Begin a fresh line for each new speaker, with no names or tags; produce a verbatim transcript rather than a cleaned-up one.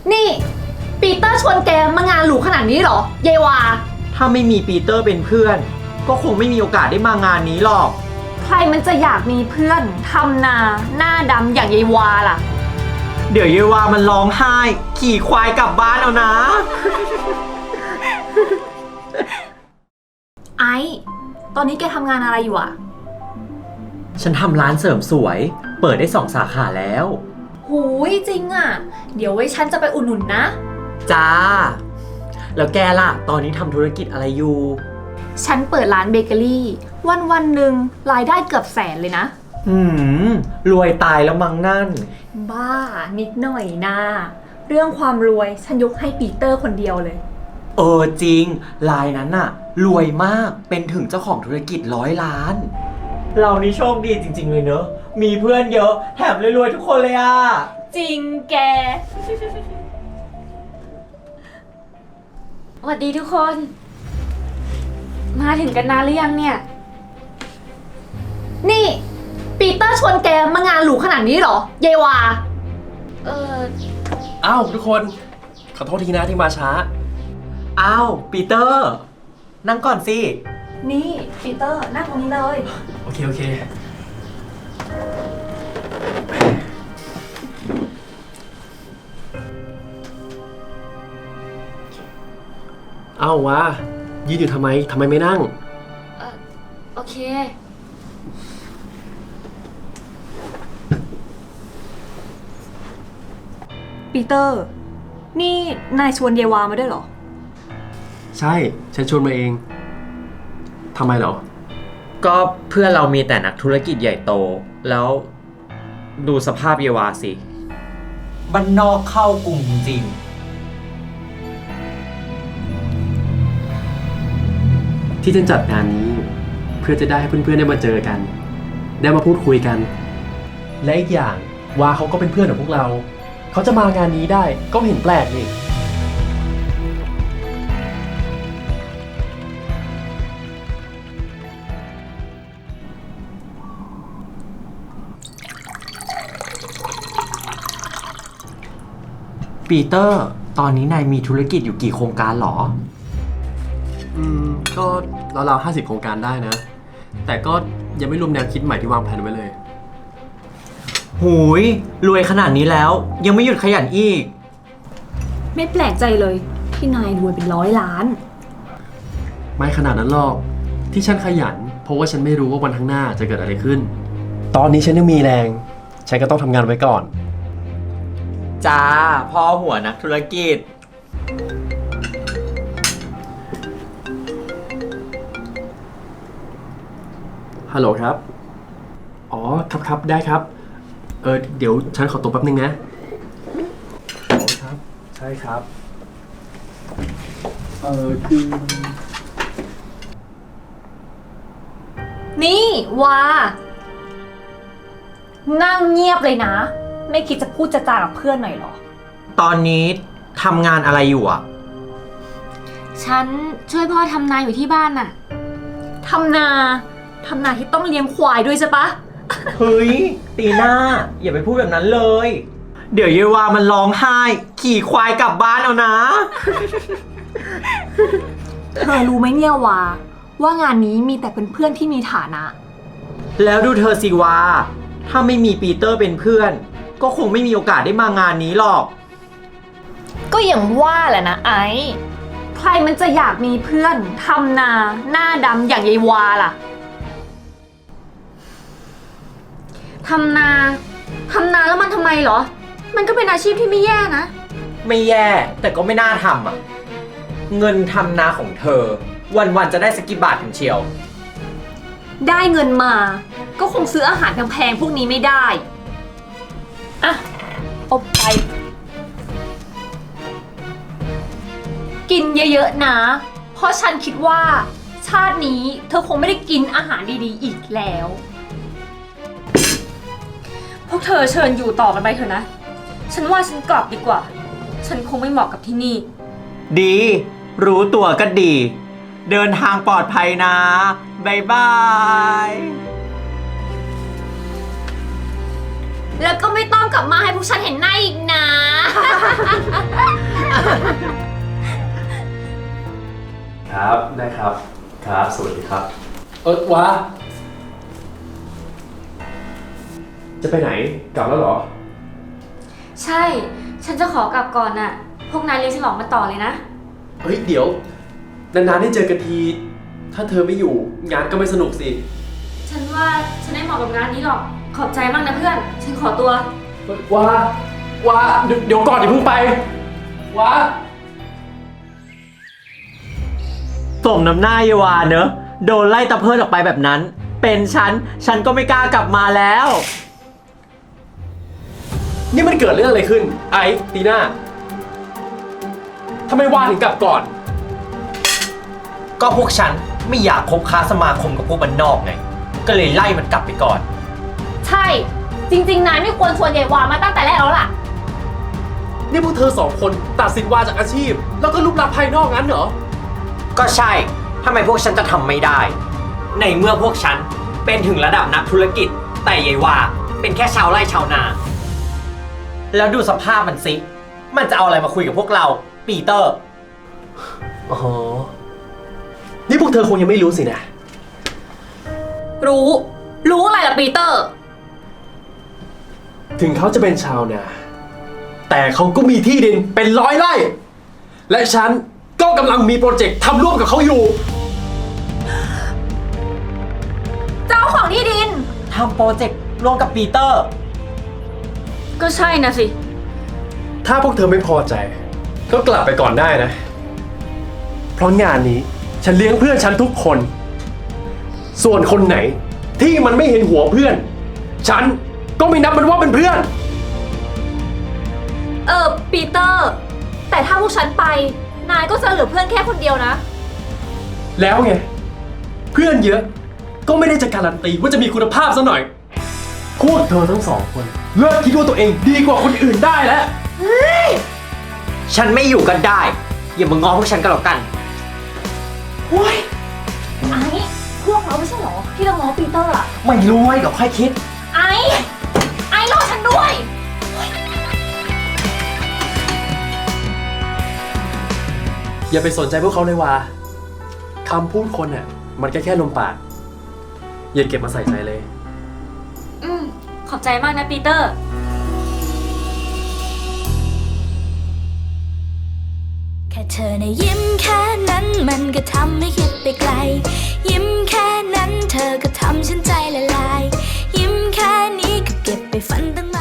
นี่ปีเตอร์ชวนแกมางานหรูขนาดนี้เหรอเยวา
ถ้าไม่มีปีเตอร์เป็นเพื่อน ก็คงไม่มีโอกาสได้มางานนี้หรอก
ใครมันจะอยากมีเพื่อนทำนาหน้าดำอย่างเยวาล่ะ
เดี๋ยวเยวามันร้องไห้ขี่ควายกลับบ้านเอานะ
ไอ้ตอนนี้แกทำงานอะไรอยู่อะ
ฉันทำร้านเสริมสวยเปิดได้สองสาขาแล้ว
หูยจริงอะเดี๋ยวไว้ฉันจะไปอุดหนุนนะ
จ้าแล้วแกล่ะตอนนี้ทำธุรกิจอะไรอยู่
ฉันเปิดร้านเบเกอรี่วันวันหนึ่งรายได้เกือบแสนเลยนะ
หืมรวยตายแล้วมั้งนั่น
บ้านิดหน่อยนะเรื่องความรวยฉันยกให้ปีเตอร์คนเดียวเลย
เออจริงรายนั้นน่ะรวยมากเป็นถึงเจ้าของธุรกิจร้อยล้านเรานี่โชคดีจริงๆเลยเนอะมีเพื่อนเยอะแถมรวยๆทุกคนเลยอ่ะ
จริงแก
สวัสดีทุกคนมาถึงกันนานหรือยังเนี่ย
นี่ปีเตอร์ชวนแกมางานหรูขนาดนี้เหรอเยวา
เออ
อ้าวทุกคนขอโทษทีนะที่มาช้า
อ้าวปีเตอร์นั่งก่อนสิ
นี่ปีเตอร์นั่งตรงนี้เลย
โอเคโอเคเอ้าวะยืนอยู่ทำไมทำไมไม่นั่ง
เออโอเค
ปีเตอร์นี่นายชวนเยวามาด้วยเหรอ
ใช่ฉันชวนมาเองทำไมเหรอ
ก็เพื่อนเรามีแต่นักธุรกิจใหญ่โตแล้วดูสภาพเยวาสิบ้านนอกเข้ากรุงจริง
ที่ฉันจัดงานนี้เพื่อจะได้ให้เพื่อนๆได้มาเจอกันได้มาพูดคุยกันและอีกอย่างวาเขาก็เป็นเพื่อนของพวกเราเขาจะมางานนี้ได้ก็เห็นแปลกนี่
ปีเตอร์ตอนนี้นายมีธุรกิจอยู่กี่โครงการหรอ
อืมก็ราวๆห้าสิบโครงการได้นะแต่ก็ยังไม่รวมแนวคิดใหม่ที่วางแผนไว้เลย
หูยรวยขนาดนี้แล้วยังไม่หยุดขยันอีก
ไม่แปลกใจเลยที่นายรวยเป็นร้อยล้าน
ไม่ขนาดนั้นหรอกที่ฉันขยันเพราะว่าฉันไม่รู้ว่าวันข้างหน้าจะเกิดอะไรขึ้นตอนนี้ฉันยังมีแรงฉันก็ต้องทำงานไว้ก่อน
จ้าพ่อหัวนักธุรกิจ
ฮัลโหลครับอ๋อครับครับได้ครับเออเดี๋ยวฉันขอตัวแป๊บนึงนะอ๋อครับใช่ครับเออคือ
นี่วานั่งเงียบเลยนะไม่คิดจะพูดจะจากับเพื่อนหน่อยหรอ
ตอนนี้ทำงานอะไรอยู่อ่ะ
ฉันช่วยพ่อทำนาอยู่ที่บ้านน่ะ
ทำนาทำนาที่ต้องเลี้ยงควายด้วยใช่ปะ
เฮ้ยตีหน้าอย่าไปพูดแบบนั้นเลยเดี๋ยวเยวามันร้องไห้ขี่ควายกลับบ้านเอานะ
เธอรู้ไหมเนี่ยวาว่างานนี้มีแต่เพื่อนๆที่มีฐานะ
แล้วดูเธอสิวาถ้าไม่มีปีเตอร์เป็นเพื่อนก็คงไม่มีโอกาสได้มางานนี้หรอก
ก็อย่างว่าแหละนะไอ้ใครมันจะอยากมีเพื่อนทำนาหน้าดำอย่างยายวาล่ะ
ทำนาทำนาแล้วมันทำไมเหรอมันก็เป็นอาชีพที่ไม่แย่นะ
ไม่แย่แต่ก็ไม่น่าทำอ่ะเงินทำนาของเธอวันๆจะได้สักกี่บาทถึงเชียว
ได้เงินมาก็คงซื้ออาหารแพงๆพวกนี้ไม่ได้อ่ะอบไปกินเยอะๆนะเพราะฉันคิดว่าชาตินี้เธอคงไม่ได้กินอาหารดีๆอีกแล้วพวกเธอเชิญอยู่ต่อกันไปเถอะนะฉันว่าฉันกลับดีกว่าฉันคงไม่เหมาะกับที่นี่
ดีรู้ตัวก็ดี เดินทางปลอดภัยนะบ๊ายบาย
แล้วก็ไม่ต้องกลับมาให้พวกฉันเห็นหน้าอีกนะ
ได้ครับ ครับ สวัสดีครับ เออวะจะไปไหน กลับแล้วเหรอ
ใช่ ฉันจะขอกลับก่อนน่ะ พวกนายเลี้ยงฉลองมาต่อเลยนะ
เฮ้ย เดี๋ยว นานๆได้เจอกันที ถ้าเธอไม่อยู่ งานก็ไม่สนุกสิ
ฉันว่าฉันไม่เหมาะกับงานนี้หรอก ขอบใจมากนะเพื่อน ฉันขอตัว
ว่าว่าเดี๋ยวเดี๋ยวก่อนอย่าเพิ่งไปว่า
สมน้ำหน้าเยวาเนอะโดนไล่ตะเพิดออกไปแบบนั้น เป็นฉัน ฉันก็ไม่กล้ากลับมาแล้ว
นี่มันเกิดเรื่องอะไรขึ้น ไอ้ตีน่าทำไมว่าถึงกลับก่อน
ก็พวกฉันไม่อยากคบค้าสมาคมกับพวกมันนอกไง ก็เลยไล่มันกลับไปก่อน
ใช่ จริงๆ นายไม่ควรชวนยายวามาตั้งแต่แรกแล้วล่ะ
นี่พวกเธอสองคนตัดสินวาจากอาชีพ แล้วก็รูปลักษณ์ภายนอกงั้นเหรอ
ก็ใช่ ทำไมพวกฉันจะทำไม่ได้ ในเมื่อพวกฉันเป็นถึงระดับนักธุรกิจ แต่ยายวาเป็นแค่ชาวไร่ชาวนา แล้วดูสภาพมันสิ มันจะเอาอะไรมาคุยกับพวกเรา ปีเตอร์
อ๋อ นี่พวกเธอคงยังไม่รู้สินะ
รู้ รู้อะไรล่ะปีเตอร์
ถึงเขาจะเป็นชาวนา แต่เขาก็มีที่ดินเป็นร้อยไร่ และฉันก็กำลังมีโปรเจกต์ทำร่วมกับเขาอยู่
เจ้าของที่ดิน
ทำโปรเจกต์ร่วมกับปีเตอร์
ก็ใช่นะสิ
ถ้าพวกเธอไม่พอใจ ก็กลับไปก่อนได้นะ เพราะงานนี้ฉันเลี้ยงเพื่อนฉันทุกคน ส่วนคนไหนที่มันไม่เห็นหัวเพื่อน ฉันก็ไม่นับมันว่าเป็นเพื่อน
เออปีเตอร์ แต่ถ้าพวกฉันไป นายก็จะเหลือเพื่อนแค่คนเดียวนะ
แล้วไง เพื่อนเยอะ ก็ไม่ได้จะการันตีว่าจะมีคุณภาพซะหน่อย พวกเธอทั้งสองคนเลิกคิดว่าตัวเองดีกว่าคนอื่นได้แล้ว
ฉันไม่อยู่กันได้ อย่ามางอพวกฉันก็แล้วกัน
โอ้ยไอ้พวกเราไม่ใช่เหรอ ที่เราง้อปีเตอร์อะ
ไม่รู้ไว้เดี๋ยวค่อยคิด
ไอ้ไอ้รอฉันด้วย
อย่าไปสนใจพวกเขาเลยว่าคำพูดคนน่ะมันแค่แค่ลมปาก อย่าเก็บมาใส่ใจเลย
อืม ขอบใจมากนะปีเตอร์
แค่เธอในะยิ้มแค่นั้นมันก็ทำให้คิดไปไกล ยิ้มแค่นั้นเธอก็ทำฉันใจละลาย ยิ้มแค่นี้ก็เก็บไปฝันตั้ง